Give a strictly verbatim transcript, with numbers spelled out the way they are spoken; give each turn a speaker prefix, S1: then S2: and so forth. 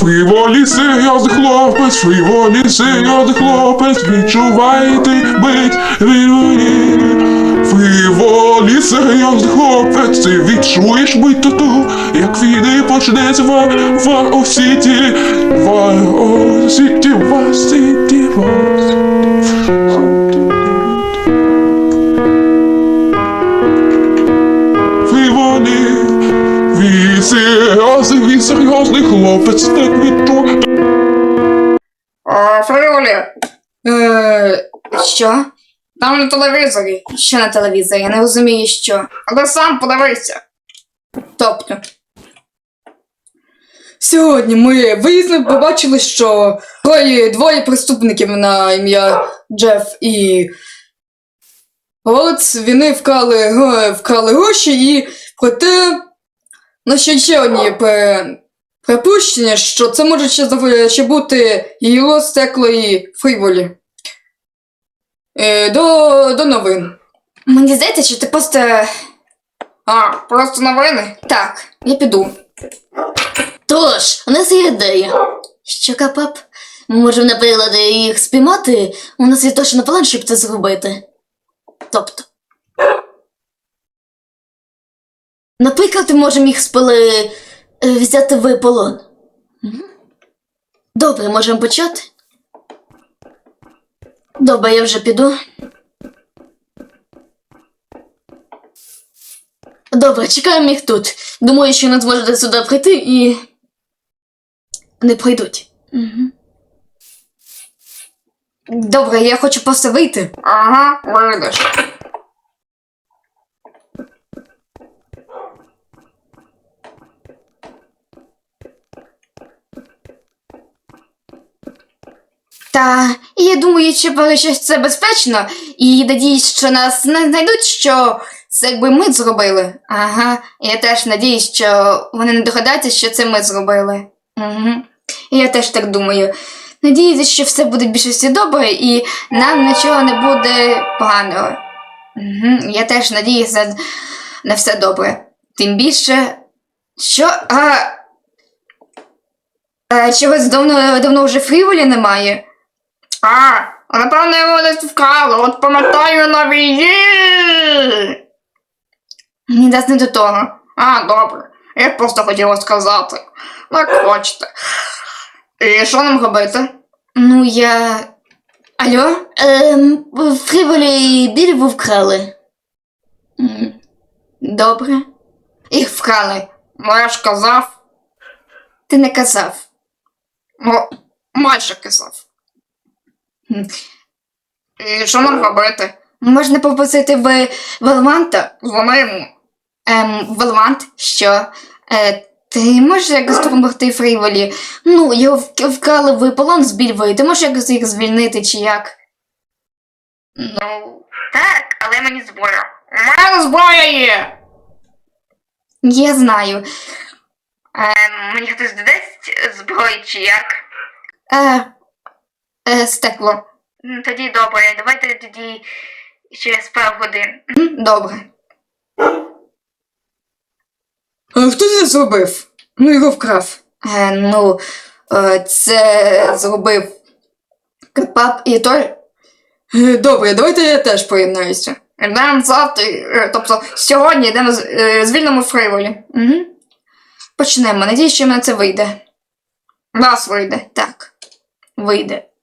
S1: Фріволі серйозний хлопець, фріволі серйозний хлопець, відчувайте бить фріволі. Фріволі серйозний хлопець, ти відчуєш бить тату, як війни почнеться в Вар-О-Сіті, Вар-О-Сіті, Вар-Сіті, Вар-Сіті. Фріволі, він серйозний, він серйозний хлопець, так відчує.
S2: О, Фріволі,
S3: Е, що?
S2: там на телевізорі.
S3: Що на телевізорі? Я не розумію, що.
S2: А ти сам подивися.
S3: Тобто. Сьогодні ми виїзно побачили, що троє, двоє преступників на ім'я Джеф і Голец, вони вкрали, г- вкрали гроші і проте на ще ще одні при- припущення, що це може ще, зав- ще бути Гіло, Стекло і Фріволі. Е, до, до новин. Мені здається, що ти просто...
S2: А, просто новини?
S3: Так, я піду.
S4: Тож, у нас є ідея. Що, Капап? Ми можемо, наприклад, їх спіймати. У нас є точно план, щоб це зробити. Тобто. Наприклад, ми можемо їх спили е, взяти в полон. Мгм. Добре, можемо почати. Добре, я вже піду. Добре, чекаємо їх тут. Думаю, що не зможете сюди прийти і... не прийдуть. Угу.
S3: Добре, я хочу просто вийти.
S2: Ага, вийдеш.
S3: Та я думаю, що поки що це безпечно, і надіюсь, що нас не знайдуть, що це якби ми зробили. Ага, я теж надіюсь, що вони не догадаються, що це ми зробили. Угу. Я теж так думаю. Надіюся, що все буде в більшості добре і нам нічого не буде поганого. Угу. Я теж надіюся на все добре. Тим більше, що... А... А, чогось давно, давно вже Фріволі немає.
S2: А, напевно, його десь вкрали, от пам'ятаю на війні.
S3: Мені дасть не до того.
S2: А, добре. Я просто хотіла сказати. Як хочете. І що нам робити?
S3: Ну, я... Алло?
S4: Ем, Фріволі і Більбу вкрали.
S3: М, Добре. Їх вкрали.
S2: Ну, я ж казав.
S3: Ти не казав.
S2: Ну, майже казав.
S3: М.
S2: І що нам робити?
S3: Можна попросити в Велванта.
S2: Дзвони йому.
S3: Ем, Велвант, що? Е, ти можеш якось допомогти Фріволі? Ну, його вк- вкрали в полон з Більвою. Ти можеш якось їх звільнити чи як?
S2: Ну, так, але мені зброя. У мене зброя є.
S3: Я знаю.
S2: Ем, мені хтось додасть зброю чи як?
S3: Е, е, стекло.
S2: Ну, тоді добре, давайте тоді через пару годин.
S3: М, Добре. А хто це зробив? Ну, його вкрав. Е, ну, е, це зробив Капап і той. Е, Добре, давайте я теж поєднаюся.
S2: Йдемо завтра, е, тобто сьогодні йдемо з- е, звільнимо Фріволі.
S3: Угу. Почнемо. Надіюсь, що в мене це вийде.
S2: Нас вийде.
S3: Так, вийде.